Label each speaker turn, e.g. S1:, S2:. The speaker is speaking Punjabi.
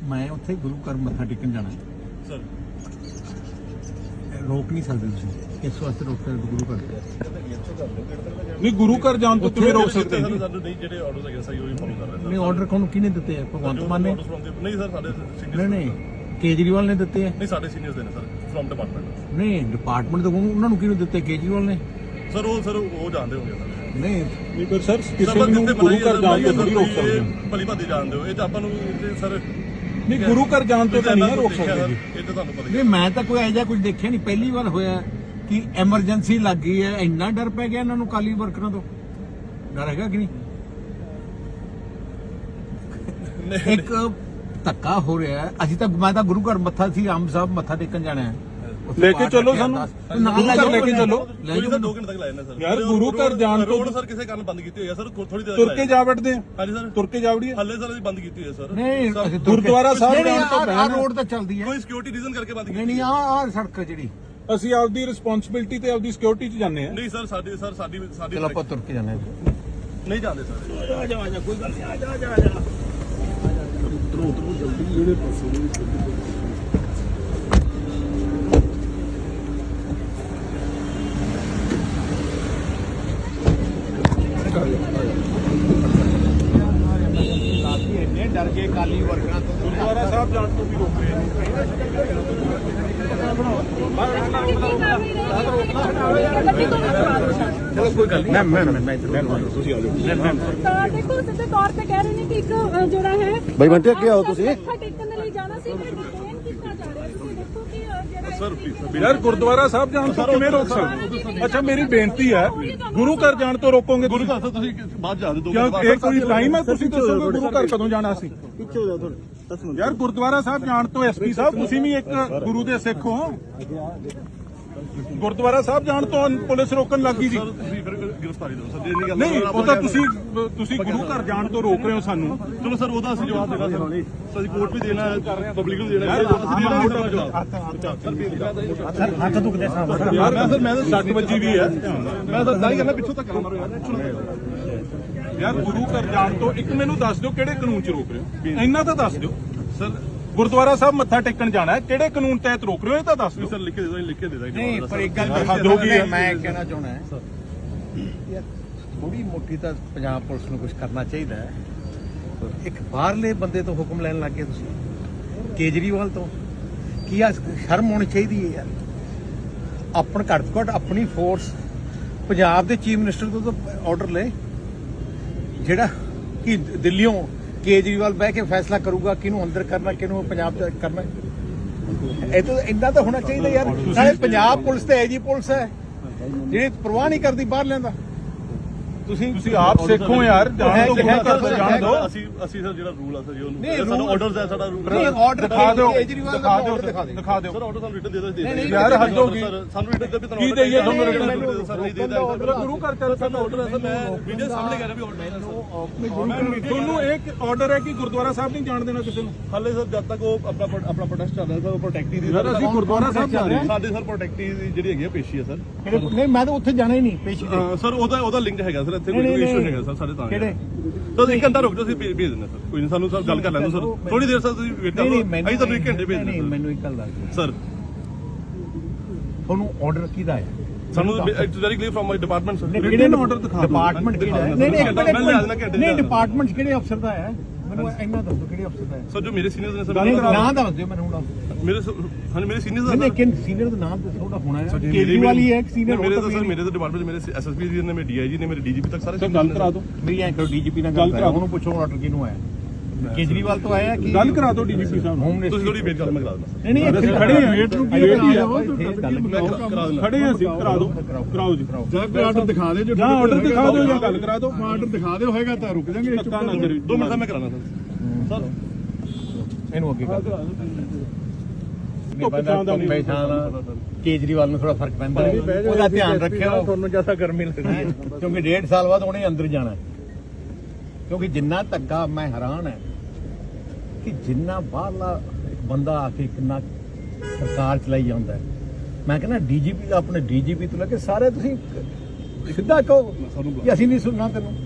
S1: मैं उत्थे गुरु घर मत्था टेकन जाना
S2: सर
S1: रोक नहीं सकते तुसीं इस वास्ते रोक सकते गुरु घर
S3: नहीं गुरु घर जान तो तुम्हें रोक सकते हैं
S2: ਸਾਨੂੰ ਨਹੀਂ ਜਿਹੜੇ ਆਰਡਰਸ ਹੈਗੇ ਸਹੀ ਉਹੀ ਫੋਲੋ ਕਰ ਰਹੇ
S1: नहीं ऑर्डर कौन किने दिते हैं भगवंत मान ने
S2: ਨਹੀਂ ਸਰ ਸਾਡੇ
S1: नहीं
S2: ਸੀਨੀਅਰ
S1: नहीं केजरीवाल ने दिते हैं
S2: ਨਹੀਂ ਸਾਡੇ ਸੀਨੀਅਰਸ ਦੇ ਨੇ ਸਰ ਫਰਮ ਡਿਪਾਰਟਮੈਂਟ
S1: नहीं डिपार्टमेंट तो उन्होंने किने दिते केजरीवाल ने
S2: ਸਰ ਉਹ ਜਾਣਦੇ ਹੋਗੇ ਸਰ
S1: नहीं
S3: नहीं पर सर किसी ਨੂੰ ਗੁਰੂ ਘਰ ਜਾਣ ਤੋਂ ਨਹੀਂ ਰੋਕ ਸਕਦੇ
S2: ਭਲੀ ਭਾਦੀ ਜਾਣਦੇ ਹੋ ਇਹ ਤਾਂ ਆਪਾਂ ਨੂੰ ਸਰ
S3: नहीं गुरु घर जान तो नहीं रोक सकते जी
S2: ਇਹ ਤਾਂ ਤੁਹਾਨੂੰ ਪਤਾ ਹੀ
S1: नहीं मैं तो कोई ऐसा कुछ देखा नहीं पहली बार होया कि एमरजेंसी लग गई है इन्ना डर पै गया इन्होंने काली वर्करां तो डर है कि नहीं एक धक्का हो रहा है अभी तक मैं तो गुरु घर मत्था सी आम साहब मत्था टेकन जाना है
S3: लेके चलो सानू गुरु घर लेके चलो
S2: ਕੋਈ ਸਰ 2 ਘੰਟੇ ਤੱਕ ਲਾਇਆ ਨਾ ਸਰ
S3: यार गुरु घर जान तो
S2: ਰੋਡ ਸਰ ਕਿਸੇ ਕਾਰਨ ਬੰਦ ਕੀਤੀ ਹੋਈ ਹੈ ਸਰ ਥੋੜੀ ਦੇਰ
S3: तुर के जा बैठते हैं
S2: ਹਾਂਜੀ ਸਰ
S3: तुर के जा वड़िए
S2: ਹੱਲੇ ਸਰ ਅਸੀਂ ਬੰਦ ਕੀਤੀ ਹੋਈ ਹੈ ਸਰ
S1: नहीं
S3: गुरुद्वारा साहब जान तो
S1: आ रोड तो चलती है
S2: ਕੋਈ ਸਿਕਿਉਰਿਟੀ ਰੀਜ਼ਨ ਕਰਕੇ ਬੰਦ ਕੀਤੀ
S1: नहीं नहीं आ सड़क है जी
S3: ਅਸੀਂ ਆਪਦੀ ਰਿਸਪੌਂਸਿਬਿਲਟੀ ਤੇ ਆਪਦੀ ਸਿਕਿਉਰਿਟੀ 'ਚ ਜਾਂਦੇ ਆ
S2: ਨਹੀਂ ਸਰ ਸਾਡੀ
S1: चलो आप तुर के जाना है
S2: ਨਹੀਂ ਜਾਂਦੇ ਸਰ
S1: डर के काली वर्करां तो
S3: ਗੁਰਦੁਆਰਾ ਸਾਹਿਬ ਜਾਣ ਤੋਂ ਵੀ ਰੋਕ ਰਹੇ ਨੇ
S1: चलो कोई गल नहीं मैं
S4: ਤਾਂ ਦੇਖੋ ਸਿੱਧੇ ਤੌਰ ਤੇ ਕਹਿ ਰਹੇ ਨੇ ਕਿ ਇੱਕ ਜਿਹੜਾ ਹੈ
S5: ਬਈ ਬੰਟੇ ਅੱਗੇ ਆਓ ਤੁਸੀਂ
S4: ਮੱਥਾ ਟੇਕਣ ਦੇ ਲਈ ਜਾਣਾ ਸੀ ਪਰ ਡਿਟੇਨ ਕੀਤਾ ਜਾ ਰਿਹਾ ਤੁਸੀਂ ਦੇਖੋ ਕਿ ਜਿਹੜਾ
S2: ਸਰ
S3: ਯਾਰ ਗੁਰਦੁਆਰਾ ਸਾਹਿਬ ਜਾਣ ਤੋਂ ਕਿਵੇਂ ਰੋਕ ਸਕਦੇ ਅੱਛਾ ਮੇਰੀ ਬੇਨਤੀ ਹੈ ਗੁਰੂ ਘਰ ਜਾਣ ਤੋਂ ਰੋਕੋਗੇ
S2: ਗੁਰੂ ਘਰ ਤੋਂ ਤੁਸੀਂ ਬਾਅਦ ਜਾ ਦਿਓ
S3: ਕਿਉਂ ਇਹ ਕੋਈ ਟਾਈਮ ਹੈ ਤੁਸੀਂ ਦੱਸੋਗੇ ਗੁਰੂ ਘਰ ਕਦੋਂ ਜਾਣਾ ਸੀ
S5: ਪਿੱਛੇ ਹੋ ਜਾ ਥੋੜਾ
S3: ਯਾਰ ਗੁਰਦੁਆਰਾ ਸਾਹਿਬ ਜਾਣ ਤੋਂ ਐਸਪੀ ਸਾਹਿਬ ਤੁਸੀਂ ਵੀ ਇੱਕ ਗੁਰੂ ਦੇ ਸਿੱਖ ਹੋ ਗੁਰਦੁਆਰਾ ਸਾਹਿਬ ਜਾਣ ਤੋਂ ਪੁਲਿਸ ਰੋਕਣ ਲੱਗੀ ਜੀ
S2: ਸਰ ਤੁਸੀਂ ਫਿਰ ਗ੍ਰਿਫਤਾਰੀ ਦਿਓ ਸਰ ਜੇ ਨਹੀਂ ਗੱਲ
S3: ਨਹੀਂ ਉਹ ਤਾਂ ਤੁਸੀਂ ਗੁਰੂ ਘਰ ਜਾਣ ਤੋਂ ਰੋਕ ਰਹੇ ਹੋ ਸਾਨੂੰ
S2: ਚਲੋ ਸਰ ਉਹਦਾ ਅਸੀਂ ਜਵਾਬ ਦੇਣਾ ਸਰ ਅਸੀਂ ਕੋਰਟ ਵੀ ਦੇਣਾ ਹੈ ਪਬਲਿਕ ਨੂੰ ਦੇਣਾ ਹੈ ਅਸੀਂ ਦੇਣਾ ਹੈ ਜਵਾਬ
S1: हथ दुखते
S3: ਯਾਰ ਮੈਂ ਤਾਂ 60 ਵਜੇ ਵੀ ਹੈ
S2: ਮੈਂ ਤਾਂ ਦਾਈ ਕਰਨਾ ਪਿੱਛੋਂ ਤੱਕ ਮਾਰੋ ਯਾਰ
S3: ਯਾਰ ਗੁਰੂ ਘਰ ਜਾਣ ਤੋਂ ਇੱਕ ਮੈਨੂੰ ਦੱਸ ਦਿਓ ਕਿਹੜੇ ਕਾਨੂੰਨ 'ਚ ਰੋਕ ਰਹੇ ਹੋ ਇੰਨਾ ਤਾਂ ਦੱਸ ਦਿਓ
S2: ਸਰ
S3: ਗੁਰਦੁਆਰਾ ਸਾਹਿਬ ਮੱਥਾ ਟੇਕਣ ਜਾਣਾ ਹੈ ਕਿਹੜੇ ਕਾਨੂੰਨ ਤਹਿਤ ਰੋਕ ਰਹੇ ਹੋ ਇਹ ਤਾਂ ਦੱਸ ਦਿਓ
S2: ਸਰ ਲਿਖ ਕੇ ਦੇ ਦੋ ਲਿਖ ਕੇ ਦੇ ਦਾਂਗੇ
S1: नहीं पर एक गल
S3: हद हो गई है।
S1: मैं कहना चाहना है यार थोड़ी मोटी तो पंजाब पुलिस को कुछ करना चाहिए एक बाहरले बंदे तो हुक्म लैन लग गए तुसीं केजरीवाल तो की शर्म होनी चाहिए है यार अपन घट तो घट अपनी फोर्स पंजाब के चीफ मिनिस्टर तो ऑर्डर ले जेड़ा कि दिल्लियों केजरीवाल बह के फैसला करूगा किनू अंदर करना किनू पंजाब च करना ਇਹ ਤਾਂ ਇੰਨਾ ਤਾਂ ਹੋਣਾ ਚਾਹੀਦਾ ਯਾਰ ਨਾਲੇ ਪੰਜਾਬ ਪੁਲਿਸ ਤੇ ਐਜੀ ਪੁਲਿਸ ਹੈ ਜਿਹੜੀ ਪਰਵਾਹ ਨਹੀਂ ਕਰਦੀ ਬਾਹਰ ਲੈਂਦਾ
S3: ਤੁਸੀਂ ਆਪ ਸਿੱਖੋ ਯਾਰ ਜਾਣ ਤੋਂ ਗੁਰੂ ਘਰ ਤੋਂ ਜਾਣ ਦਿਓ
S2: ਅਸੀਂ ਸਰ ਜਿਹੜਾ ਰੂਲ ਆ ਸਰ ਜੀ
S1: ਨਹੀਂ,
S2: ਉਹਨੂੰ ਸਾਡਾ
S1: rule-
S2: ਆਰਡਰਸ ਹੈ ਸਾਡਾ ਰੂਲ
S1: ਨਹੀਂ ਆਰਡਰ
S3: ਦਿਖਾ ਦਿਓ
S1: ਕੇਜਰੀਵਾਲ ਦਾ
S3: ਦਿਖਾ ਦਿਓ
S1: order ਦਿਖਾ ਦੇ
S3: ਦਿਖਾ ਦਿਓ
S2: ਸਰ ਆਰਡਰ ਸਾਨੂੰ ਰਿਟਨ ਦੇ ਦੋ
S1: ਨਹੀਂ,
S3: ਯਾਰ ਹੱਦ ਹੋ ਗਈ
S2: ਸਾਨੂੰ ਰਿਟਨ ਦੇ ਵੀ
S3: ਕੀ ਦੇਈਏ ਤੁਹਾਨੂੰ
S2: ਰਿਟਨ
S3: written?
S2: ਸਰ ਨਹੀਂ ਦੇਦਾ
S3: ਗੁਰੂ ਘਰ ਚੱਲ
S2: ਸਾਡਾ ਆਰਡਰ ਹੈ ਸਰ ਮੈਂ ਵੀਡੀਓ ਸਾਹਮਣੇ ਕਰ ਰਿਹਾ ਵੀ ਆਰਡਰ ਹੈ
S3: ਤੁਹਾਨੂੰ ਇੱਕ ਆਰਡਰ ਹੈ ਕਿ ਗੁਰਦੁਆਰਾ ਸਾਹਿਬ ਨਹੀਂ ਜਾਣ ਦੇਣਾ ਕਿਸੇ ਨੂੰ
S2: ਹਾਲੇ ਸਰ ਜਦ ਤੱਕ ਉਹ ਆਪਣਾ ਪ੍ਰੋਟੈਸਟ ਚੱਲ ਰਿਹਾ ਸਰ ਉਹ ਪ੍ਰੋਟੈਕਟੀ ਦੀ
S3: ਯਾਰ ਅਸੀਂ ਗੁਰਦੁਆਰਾ ਸਾਹਿਬ ਜਾ ਰਹੇ ਹਾਂ
S2: ਸਾਡੇ ਸਰ ਪ੍ਰੋਟੈਕਟੀ ਦੀ ਜਿਹੜੀ ਹੈਗੀ ਆ ਪੇਸ਼ੀ ਹੈ ਸਰ
S1: ਨਹੀਂ ਮੈਂ ਤਾਂ ਉੱਥੇ ਜਾਣਾ ਹੀ ਨਹੀਂ ਪੇਸ਼ੀ ਤੇ
S2: ਸਰ ਉਹਦਾ ਲਿੰਕ ਹੈਗਾ ਸਰ ਇੱਥੇ ਕੋਈ
S1: ਨਹੀਂ,
S2: ਇਸ਼ੂ
S1: ਨਹੀਂ।
S2: ਹੈਗਾ ਸਰ ਸਾਡੇ ਤਾਂ
S1: ਕਿਹੜੇ?
S2: ਤਾਂ 1 ਘੰਟਾ ਰੁਕ ਜਾਓ ਅਸੀਂ ਭੇਜ ਦਿੰਦੇ ਸਰ ਕੋਈ ਨਹੀਂ ਸਾਨੂੰ ਸਰ ਗੱਲ ਕਰ ਲੈਣ ਦਿਓ ਸਰ ਥੋੜੀ ਦੇਰ ਸਰ ਤੁਸੀਂ ਵੇਟ ਕਰੋ ਅਸੀਂ ਤੁਹਾਨੂੰ 1 ਘੰਟੇ ਭੇਜ
S1: ਨਹੀਂ
S2: ਦਿੰਦੇ
S1: ਮੈਨੂੰ ਇੱਕ ਗੱਲ ਦੱਸ ਦਿਓ।
S2: ਸਰ
S1: ਤੁਹਾਨੂੰ ਆਰਡਰ ਕਿਹਦਾ ਹੈ
S2: ਸਾਨੂੰ it's very clear from my department sir
S3: written order ਦਿਖਾ ਦਿਓ।
S1: ਡਿਪਾਰਟਮੈਂਟ ਕਿਹੜਾ ਹੈ ਨਹੀਂ
S2: ਮੈਂ ਲਿਆ ਦੇਣਾ ਘੰਟੇ
S1: ਨਹੀਂ ਡਿਪਾਰਟਮੈਂਟ ਕਿਹੜੇ ਅਫਸਰ ਦਾ ਹੈ ਮੈਨੂੰ ਇੰਨਾ ਦੱਸੋ ਕਿਹੜੇ ਅਫਸਰ ਦਾ ਹੈ
S2: ਸਰ ਜੋ ਮੇਰੇ ਸੀਨੀਅਰਸ ਨੇ ਸਰ
S1: ਨਾਮ ਦੱਸ ਦਿਓ ਮੈਨੂੰ ਹੁਣ
S2: ਮੇਰੇ ਹਾਂਜੀ ਮੇਰੇ ਸੀਨੀਅਰਸ
S1: ਨਹੀਂ ਲੇਕਿਨ ਸੀਨੀਅਰ ਦਾ ਨਾਮ ਦੱਸੋ ਉਹਦਾ ਹੋਣਾ ਹੈ ਕੇਜਰੀਵਾਲ ਹੀ ਹੈ ਇੱਕ senior
S2: ਮੇਰੇ
S1: ਹੋਰ
S2: ਤਾਂ
S1: ਤਾਂ
S2: ਸਰ ਮੇਰੇ ਤਾਂ ਡਿਪਾਰਟਮੈਂਟ ਮੇਰੇ ਐਸਐਸਪੀ ਜੀ ਨੇ ਮੇਰੇ ਡੀਆਈਜੀ ਨੇ ਮੇਰੇ ਡੀਜੀਪੀ ਤੱਕ ਸਾਰੇ
S3: ਗੱਲ ਕਰਾ ਦਿਓ
S1: ਮੇਰੀ ਐਂ ਕਰੋ ਡੀਜੀਪੀ ਨਾਲ ਗੱਲ ਕਰਾ ਉਹਨੂੰ ਪੁੱਛੋ ਆਰਡਰ ਕਿਹਨੂੰ ਆਇਆ ਕੇਜਰੀਵਾਲ ਤੋਂ ਆਇਆ ਕਿ
S3: ਗੱਲ ਕਰਾ ਦਿਓ ਡੀਜੀਪੀ ਸਾਹਿਬ ਨੂੰ
S1: ਹੋਮ
S2: ਤੁਸੀਂ
S1: ਮਿਨਿਸਟਰ
S2: ਥੋੜੀ ਵੇਟ ਕਰ ਮੈਂ ਕਰਾ ਦਿੰਦਾ
S1: ਨਹੀਂ ਨਹੀਂ ਇੱਥੇ
S3: ਖੜੇ ਹਾਂ ਵੇਟ ਨੂੰ ਕੀ
S1: ਵੇਟ ਹੀ
S3: ਹੈ
S1: ਆ
S2: ਕਰਾ ਦਿੰਦਾ
S3: ਖੜੇ ਹਾਂ ਅਸੀਂ ਕਰਾ ਦਿਓ ਕਰਾਓ ਜੀ
S5: ਜਾਂ ਕੋਈ ਆਰਡਰ ਦਿਖਾ ਦੇ ਜੋ
S3: ਜਾਂ ਆਰਡਰ ਦਿਖਾ ਦਿਓ ਜਾਂ ਗੱਲ ਕਰਾ ਦਿਓ
S5: ਆਰਡਰ ਦਿਖਾ ਦਿਓ ਹੋਏਗਾ ਤਾਂ ਰੁਕ ਜਾਾਂਗੇ
S3: ਧੱਕਾ ਨਾ ਕਰਿਓ
S2: 2 ਮਿੰਟ ਦਾ ਮੈਂ ਕਰਾਣਾ ਸਰ
S1: ਇਹਨੂੰ ਅੱਗੇ ਕਰ
S3: ਧੁੱਪ ਛਾਂ ਦਾ ਨਹੀਂ
S1: ਕੇਜਰੀਵਾਲ ਨੂੰ ਥੋੜਾ ਫਰਕ ਪੈਂਦਾ ਹੈ ਉਹਦਾ ਧਿਆਨ ਰੱਖਿਓ ਤੁਹਾਨੂੰ ਜਿਆਦਾ ਗਰਮੀ ਲੱਗਦੀ ਹੈ ਕਿਉਂਕਿ 1.5 ਸਾਲ ਬਾਅਦ ਉਹਨੇ ਅੰਦਰ ਜਾਣਾ ਹੈ ਕਿਉਂਕਿ ਜਿੰਨਾ ਧੱਕਾ ਮੈਂ ਹੈਰਾਨ ਹੈ ਕਿ ਜਿੰਨਾ ਬਾਹਰਲਾ ਇੱਕ ਬੰਦਾ ਆ ਕੇ ਕਿੰਨਾ ਸਰਕਾਰ ਚਲਾਈ ਜਾਂਦਾ ਹੈ ਮੈਂ ਕਹਿੰਦਾ ਡੀਜੀਪੀ ਦਾ ਆਪਣੇ ਡੀਜੀਪੀ ਤੋਂ ਲੈ ਕੇ ਸਾਰੇ ਤੁਸੀਂ ਸਿੱਧਾ ਕਹੋ ਕਿ ਅਸੀਂ ਨਹੀਂ ਸੁਣਨਾ ਤੈਨੂੰ